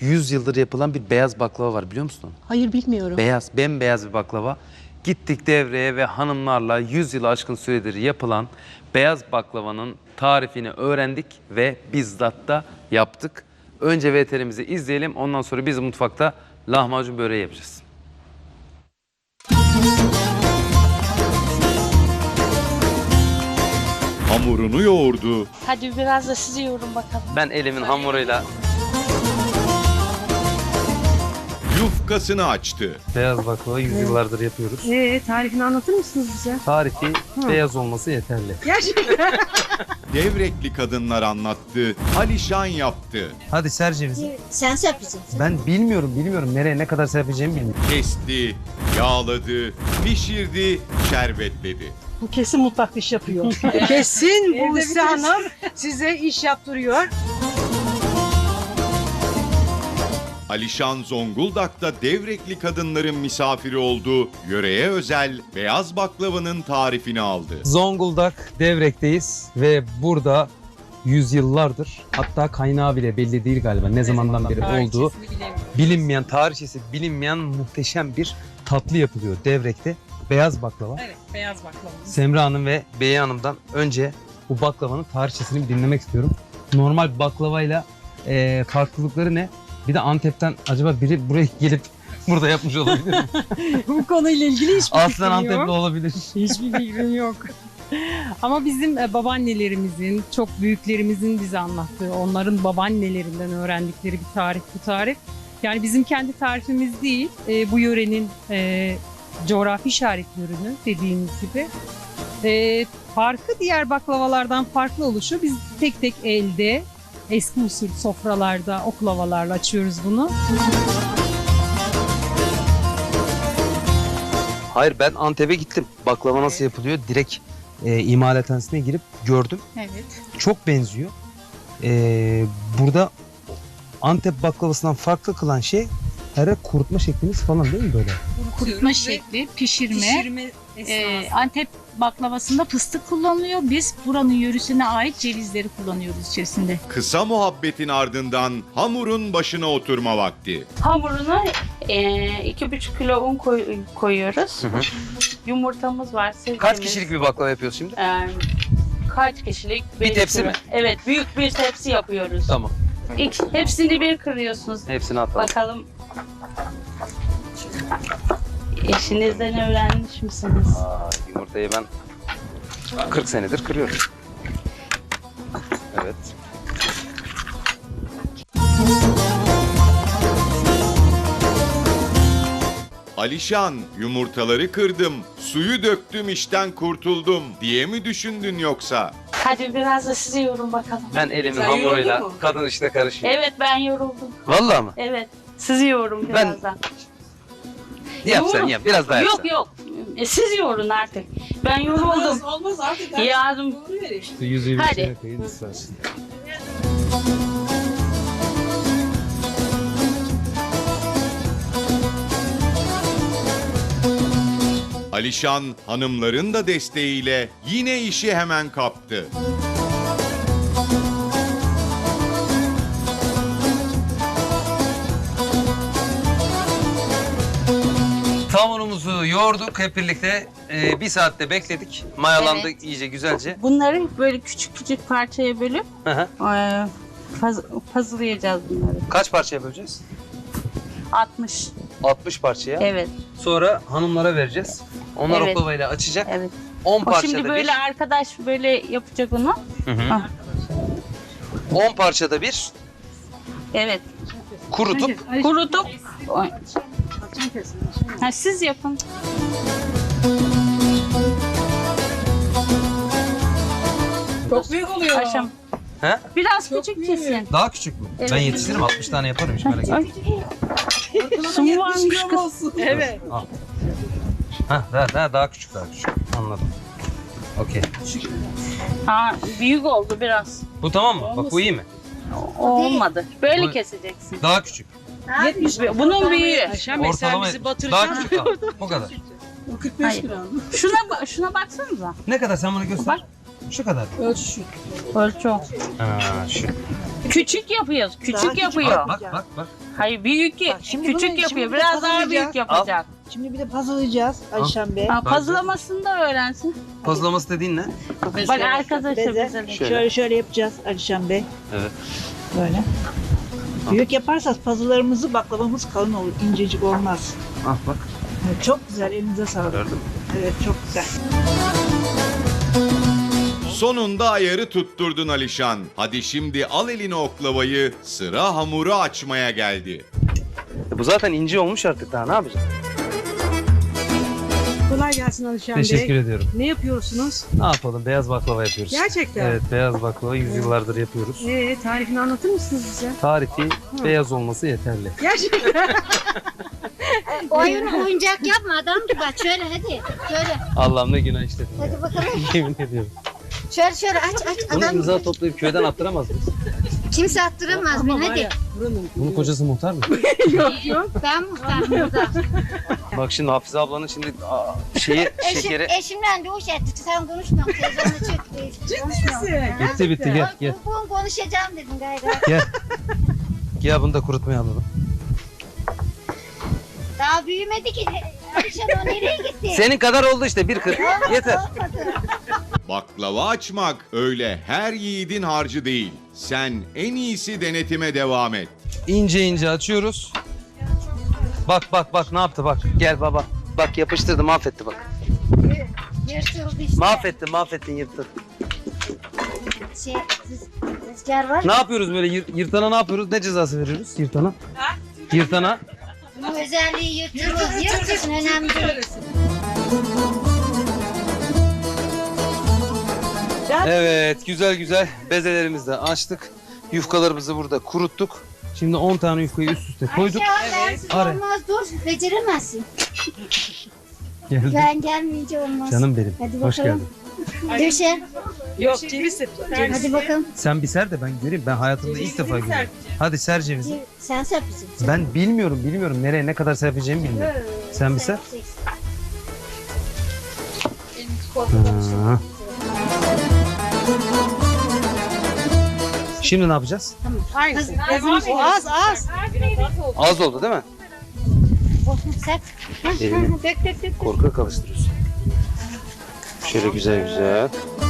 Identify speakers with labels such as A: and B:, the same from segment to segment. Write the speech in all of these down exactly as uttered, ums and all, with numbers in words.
A: yüz yıldır yapılan bir beyaz baklava var, biliyor musun?
B: Hayır, bilmiyorum.
A: Beyaz, bembeyaz bir baklava. Gittik devreye ve hanımlarla yüz yılı aşkın süredir yapılan beyaz baklavanın tarifini öğrendik ve bizzat da yaptık. Önce V T R'mizi izleyelim, ondan sonra biz mutfakta lahmacun böreği yapacağız.
C: Hamurunu yoğurdu.
D: Hadi biraz da sizi yoğurun bakalım.
A: Ben elimin hamuruyla
C: Yufkasını açtı.
A: beyaz baklava yüz yıllardır yapıyoruz.
B: Ee, tarifini anlatır mısınız bize?
A: Tarifi beyaz olması yeterli.
B: Gerçekten.
C: Devrekli kadınlar anlattı. Alişan yaptı.
A: Hadi ser cevizi.
E: Sen yapacaksın.
A: Ben bilmiyorum, bilmiyorum. Nereye ne kadar serpeceğimi bilmiyorum.
C: Kesti, yağladı, pişirdi, şerbetledi.
B: Bu kesin mutfakta iş yapıyor. Kesin bu Buse Hanım size iş yaptırıyor.
C: Alişan Zonguldak'ta Devrekli kadınların misafiri oldu. Yöreye özel beyaz baklavanın tarifini aldı.
F: Zonguldak Devrek'teyiz ve burada yüzyıllardır, hatta kaynağı bile belli değil galiba ne zamandan beri olduğu bilinmeyen, tarihçesi bilinmeyen muhteşem bir tatlı yapılıyor Devrek'te. Beyaz baklava.
G: Evet, beyaz baklava.
F: Semra Hanım ve Beye Hanım'dan önce bu baklavanın tarihçesini bir dinlemek istiyorum. Normal baklavayla e, farklılıkları ne? Bir de Antep'ten acaba biri buraya gelip burada yapmış olabilir mi?
G: Bu konuyla ilgili hiçbir
F: Aslen
G: fikrim
F: Antepli
G: yok.
F: olabilir.
G: Hiçbir fikrim yok. Ama bizim e, babaannelerimizin, çok büyüklerimizin bize anlattığı, onların babaannelerinden öğrendikleri bir tarif bu tarif. Yani bizim kendi tarifimiz değil, e, bu yörenin e, coğrafi işaretli ürünü dediğimiz gibi. E, farkı diğer baklavalardan farklı oluşu, biz tek tek elde, eski usul sofralarda, oklavalarla açıyoruz bunu.
F: Hayır, ben Antep'e gittim. Baklava nasıl yapılıyor? Direkt e, imalathanesine girip gördüm.
G: Evet.
F: Çok benziyor. E, burada Antep baklavasından farklı kılan şey herhalde kurutma şekliniz falan değil mi böyle?
H: Kurutma şekli, pişirme.
G: Pişirme
H: Ee,
G: esnasında.
H: Antep baklavasında fıstık kullanılıyor. Biz buranın yörüsüne ait cevizleri kullanıyoruz içerisinde.
C: Kısa muhabbetin ardından hamurun başına oturma vakti.
D: Hamuruna e, iki buçuk kilo un koy- koyuyoruz.
A: Hı hı.
D: Yumurtamız var. Sirkemiz.
A: Kaç kişilik bir baklava yapıyoruz şimdi?
D: E, kaç kişilik?
A: Bir tepsi mi?
D: Evet, büyük bir tepsi yapıyoruz.
A: Tamam.
D: İlk, hepsini bir kırıyorsunuz.
A: Hepsini atalım.
D: Bakalım. Eşinizden öğrenmiş misiniz?
A: Aa, yumurtayı ben kırk senedir kırıyorum. Evet.
C: Alişan, yumurtaları kırdım, suyu döktüm işten kurtuldum diye mi düşündün yoksa?
D: Hadi biraz da sizi yorun bakalım.
A: Ben elimin
B: Sen
A: hamuruyla
B: yoruldun mu?
A: kadın işte karışıyor.
D: Evet, ben yoruldum.
A: Vallahi mı?
D: Evet, sizi yorun
A: Ben-
D: birazdan.
A: Yap sen
D: Yoğurun.
A: yap. Biraz daha yap
D: Yok
A: sen.
D: yok, e, siz yorun artık. Ben yoruldum.
B: Olmaz artık.
D: Yardım.
F: Yüzüğü
D: Hadi.
F: içine koyun istersen.
C: Alişan, hanımların da desteğiyle yine işi hemen kaptı.
A: Hamurumuzu yoğurduk hep birlikte. Ee, bir saatte bekledik. Mayalandı
D: Evet.
A: iyice güzelce.
D: Bunları böyle küçük küçük parçaya bölüp
A: Hı hı.
D: e, paz- puzzle'layacağız bunları.
A: Kaç parçaya böleceğiz?
D: altmış.
A: altmış parçaya.
D: Evet,
A: Sonra hanımlara vereceğiz. Onlar
D: Evet.
A: oklavayla açacak.
D: evet.
A: on
D: O
A: parçada
D: şimdi
A: bir.
D: böyle arkadaş böyle yapacak onu.
A: Hı hı.
D: Ah.
A: on parçada bir
D: Evet.
A: kurutup
D: Kurutup ha, siz yapın.
B: Çok büyük oluyor.
D: Aşam.
A: He?
D: Biraz
B: Çok
D: küçük
B: büyük.
D: kesin.
A: daha küçük mü?
D: Evet.
A: Ben yetiştiririm, altmış tane yaparım hiç merak etme.
D: Ay, su mu varmış kız?
B: Olsun. Evet.
A: Ha, daha, daha, daha küçük daha küçük. Anladım. Okey.
D: Ha, büyük oldu biraz.
A: Bu tamam mı? Bak bu iyi mi?
D: O olmadı. Böyle
A: Bu-
D: keseceksin.
A: Daha küçük.
D: Bunun büyüğü.
G: Aşağı mesela
A: Ortalama
G: bizi
A: daha
G: batıracaksın.
A: küçük al. Bu kadar.
B: O kırk beş
D: Hayır.
B: gram.
D: Şuna ba- şuna baksanıza.
A: Ne kadar sen bana göster.
D: Bak.
F: Şu kadar.
B: Ölçü.
D: Ölçü.
F: Ha, şu.
D: Küçük yapıyoruz. Küçük
B: Daha küçük
D: yapıyor.
B: yap.
F: Bak bak bak.
D: Hayır büyük
B: Bak, şimdi
D: küçük
B: bunu-
D: yapıyor.
B: şimdi
D: Biraz daha
B: puzzle'layacağız.
D: büyük yapacak.
B: Şimdi bir de puzzle'layacağız Alişan Bey.
D: Ha, puzzle'lamasını da öğrensin.
F: Kozlaması dediğin ne?
D: Bak arkadaşlar
B: Beze.
D: bize.
B: Şöyle şöyle yapacağız Alişan Bey.
F: Evet.
B: Böyle. Büyük yaparsak puzzle'larımızı baklavamız kalın olur. İncecik olmaz.
F: Ah bak.
B: Evet, çok güzel. Elinize sağlık.
F: Gördün mü?
B: Evet çok güzel.
C: Sonunda ayarı tutturdun Alişan. Hadi şimdi al eline oklavayı, sıra hamuru açmaya geldi.
F: E bu zaten ince olmuş artık, daha ne yapacağız?
B: Kolay gelsin Alişan
F: Teşekkür
B: Bey.
F: ediyorum.
B: Ne yapıyorsunuz?
F: Ne yapalım? Beyaz baklava yapıyoruz.
B: Gerçekten.
F: Evet, beyaz baklava yüzyıllardır yapıyoruz.
B: Ee, tarifini anlatır mısınız bize?
F: Tarifi beyaz olması yeterli.
B: Gerçekten.
E: Oyun oyuncak yapma adam gibi aç şöyle hadi. Şöyle
F: Allah'ım ne günah işledim.
E: hadi bakalım.
F: Yemin ediyorum.
E: Şöyle şöyle aç aç
F: Bunu
E: adam
F: imza
E: gibi.
F: toplayıp köyden attıramaz mıyız?
E: Kimse attırmaz beni hadi.
F: Bunun kocası muhtar mı?
E: Ben muhtarım burada.
F: Bak şimdi Hafize ablanın şimdi aa, şeyi,
E: Eşim,
F: şekeri...
E: eşimle dövüş etti. Sen konuşma. Televizyona çık. Konuşma.
F: Bitti bitti gel gel.
E: Bu konuşacağım dedim gayret.
F: Gel bunu da kurutmaya alalım.
E: Daha büyümedi ki. Alişan o nereye gitti?
F: Senin kadar oldu işte bir kırk. Yeter.
E: Olmadı.
C: Baklava açmak öyle her yiğidin harcı değil. Sen en iyisi denetime devam et.
F: İnce ince açıyoruz. Bak bak bak ne yaptı bak. Gel baba. Bak yapıştırdı, mahvetti bak.
E: Yırtıldı işte.
F: Mahvettin mahvettin yırttın.
E: Şey, rüz- rüzgar var.
F: Ne yapıyoruz böyle yır- yırtana ne yapıyoruz? Ne cezası veriyoruz yırtana? Yırtana.
E: Bu özelliği yırtılır. Yırtılsın önemli değil.
F: Evet güzel güzel bezelerimizi de açtık. Yufkalarımızı burada kuruttuk. Şimdi on tane yufkayı üst üste koyduk.
E: Ayşe bensiz
F: Ara.
E: olmaz dur. Beceremezsin.
F: Geldim.
E: Ben gelmeyince olmaz.
F: Canım benim.
E: Hadi
F: Hoş
E: bakalım.
F: geldin.
E: Döşe.
B: Yok ceviz
E: Hadi bakalım.
F: Sen bir ser de ben göreyim. Ben hayatımda ilk defa görüyorum. Hadi ser cevizi.
E: Sen serpeceksin.
F: Ben bilmiyorum bilmiyorum. Nereye ne kadar serpeceğimi bilmiyorum. Sen bir ser. Ha. Şimdi ne yapacağız?
B: Aynısı. O az az.
F: Az oldu değil mi?
E: Serp.
F: Elini
E: Dök dök dök.
F: korkak alıştırıyorsun. Şöyle güzel güzel.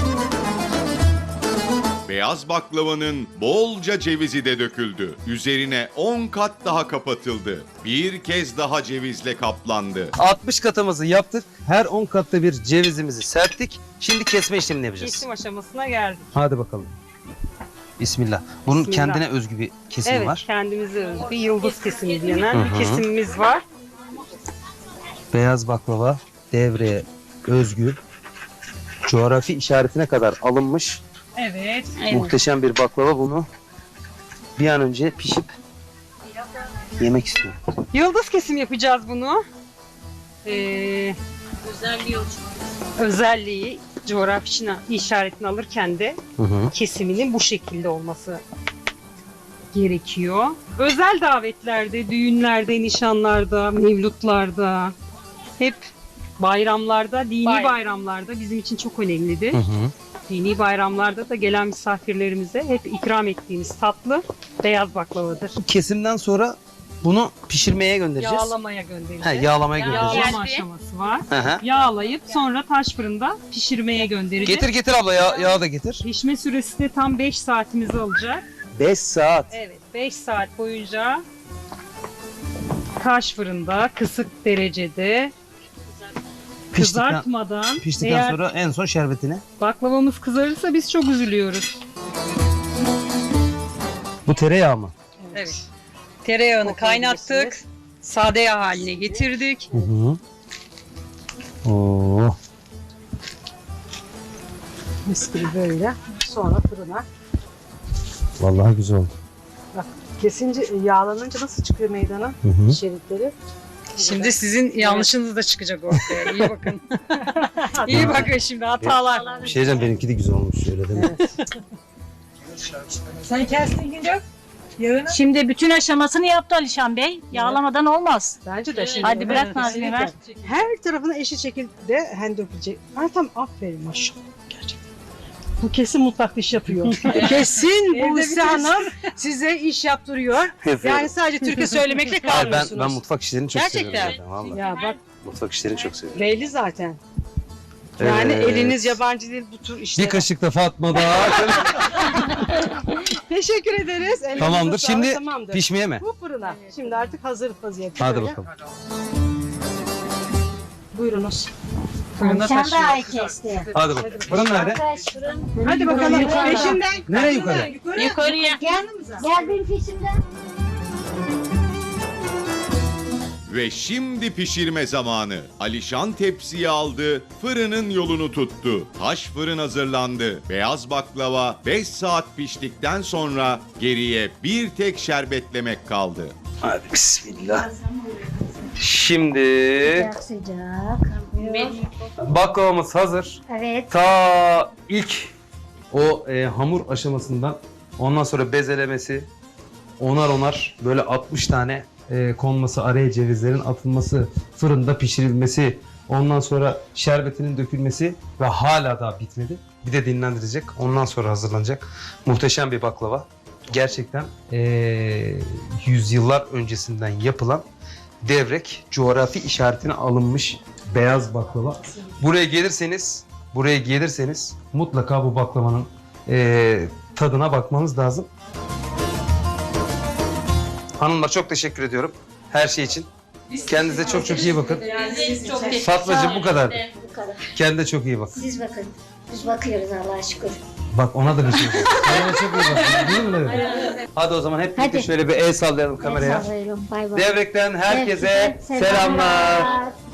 C: Beyaz baklavanın bolca cevizi de döküldü. Üzerine on kat daha kapatıldı. Bir kez daha cevizle kaplandı.
F: altmış katımızı yaptık. Her on katta bir cevizimizi serptik. Şimdi kesme işlemini yapacağız.
G: Kesim aşamasına geldik.
F: Hadi bakalım. Bismillah. Bunun
G: Bismillah.
F: kendine özgü bir kesimi
G: Evet,
F: var.
G: kendimize özgü yıldız kesimi denen
F: Hı
G: bir
F: hı.
G: kesimimiz var.
F: Beyaz baklava devreye özgü. Coğrafi işaretine kadar alınmış
G: Evet.
F: muhteşem bir baklava. Bunu bir an önce pişip yemek istiyorum.
G: Yıldız kesim yapacağız bunu. Ee,
D: Özelliği
G: özelliği coğrafi işaretini alırken de
F: Hı hı.
G: kesiminin bu şekilde olması gerekiyor. Özel davetlerde, düğünlerde, nişanlarda, mevlutlarda, hep bayramlarda, dini
D: Bayram.
G: bayramlarda bizim için çok önemlidir.
F: Hı hı.
G: Dini bayramlarda da gelen misafirlerimize hep ikram ettiğimiz tatlı beyaz baklavadır.
F: Kesimden sonra bunu pişirmeye göndereceğiz.
G: Yağlamaya göndereceğiz.
F: Ha, yağlamaya göndereceğiz.
G: Yağlama aşaması var.
F: Hı hı.
G: Yağlayıp sonra taş fırında pişirmeye göndereceğiz.
F: Getir getir abla yağ, yağ da getir.
G: Pişme süresi de tam beş saatimizi alacak.
F: beş saat.
G: Evet, beş saat boyunca taş fırında kısık derecede
F: Piştikten,
G: kızartmadan,
F: piştikten
G: eğer
F: sonra en son şerbetini.
G: baklavamız kızarırsa biz çok üzülüyoruz.
F: Bu tereyağı mı?
G: Evet. Tereyağını kaynattık. Sade yağ haline getirdik.
F: Hı hı. Oo.
B: Mis gibi böyle. Sonra fırına.
F: Vallahi güzel oldu.
B: Kesince yağlanınca nasıl çıkıyor meydana?
F: Hı hı.
B: Şeritleri.
G: Şimdi sizin yanlışınız da çıkacak ortaya. İyi bakın. İyi bakın şimdi hatalar.
F: Bir şey diyeceğim, benimki de güzel olmuş öyle değil mi?
B: Sen kestin Güncük. Yağını.
H: Şimdi bütün aşamasını yaptı Alişan Bey. Yağlamadan olmaz.
B: Bence de şimdi.
H: Hadi bırak
B: Evet,
H: Nazmiye, ver.
B: kesinlikle. Her tarafına eşit şekilde hem dökülecek. Ay tam aferin maşallah. Gerçekten. Bu kesin mutfakta iş yapıyor. Kesin Buse Hanım size iş yaptırıyor. Yani sadece türkü söylemekle
F: Hayır, ben,
B: kalmıyorsunuz.
F: ben mutfak işlerini çok
B: Gerçekten.
F: seviyorum. Zaten, vallahi.
B: Ya bak
F: Mutfak işlerini çok seviyorum.
B: belli zaten. Yani
F: Evet.
B: eliniz yabancı değil bu tür işlere.
F: Bir kaşık da Fatma daha.
B: Teşekkür ederiz. Elinize
F: Tamamdır.
B: sağlık,
F: Şimdi
B: tamamdır.
F: pişmeye mi?
B: Bu fırına. Şimdi artık hazır vaziyette.
F: Hadi
B: böyle.
F: bakalım.
B: Buyurunuz.
F: Fırında
E: Sen de
F: taşıyor.
E: ay kesti.
F: Hadi bakalım. Fırın nerede?
E: Kaç fırın.
B: Hadi bakalım.
E: Yukarı.
B: Peşinden.
F: Nereye yukarı?
D: Yukarıya.
E: Gel, gel benim peşimden.
C: Ve şimdi pişirme zamanı. Alişan tepsiyi aldı, fırının yolunu tuttu. Taş fırın hazırlandı. Beyaz baklava beş saat piştikten sonra geriye bir tek şerbetlemek kaldı.
F: Hadi bismillah. Şimdi
E: Sıcak sıcak.
F: baklavamız hazır.
E: Evet.
F: Ta ilk o e, hamur aşamasından ondan sonra bezelemesi onar onar böyle altmış tane e, konması, araya cevizlerin atılması, fırında pişirilmesi, ondan sonra şerbetinin dökülmesi ve hala daha bitmedi. Bir de dinlendirecek. Ondan sonra hazırlanacak. Muhteşem bir baklava. Gerçekten e, yüzyıllar öncesinden yapılan devrek coğrafi işaretine alınmış beyaz baklava. Buraya gelirseniz, buraya gelirseniz mutlaka bu baklavanın e, tadına bakmanız lazım. Hanımlar çok teşekkür ediyorum her şey için. Kendinize çok çok iyi bakın.
D: Çok teşekkür
F: Fatmacığım bu kadar.
E: Bu kadar.
F: Kendine çok iyi bak.
E: Siz bakın. Biz bakıyoruz Allah'a şükür.
F: Bak ona da bir şey. Kendine çok iyi bak. Değil mi? Leyla? Hadi o zaman hep birlikte
E: Hadi.
F: şöyle bir el sallayalım kameraya.
E: Sallayalım. Bay bay.
F: Devrekten herkese
E: Herkese
F: selamlar.
E: selamlar.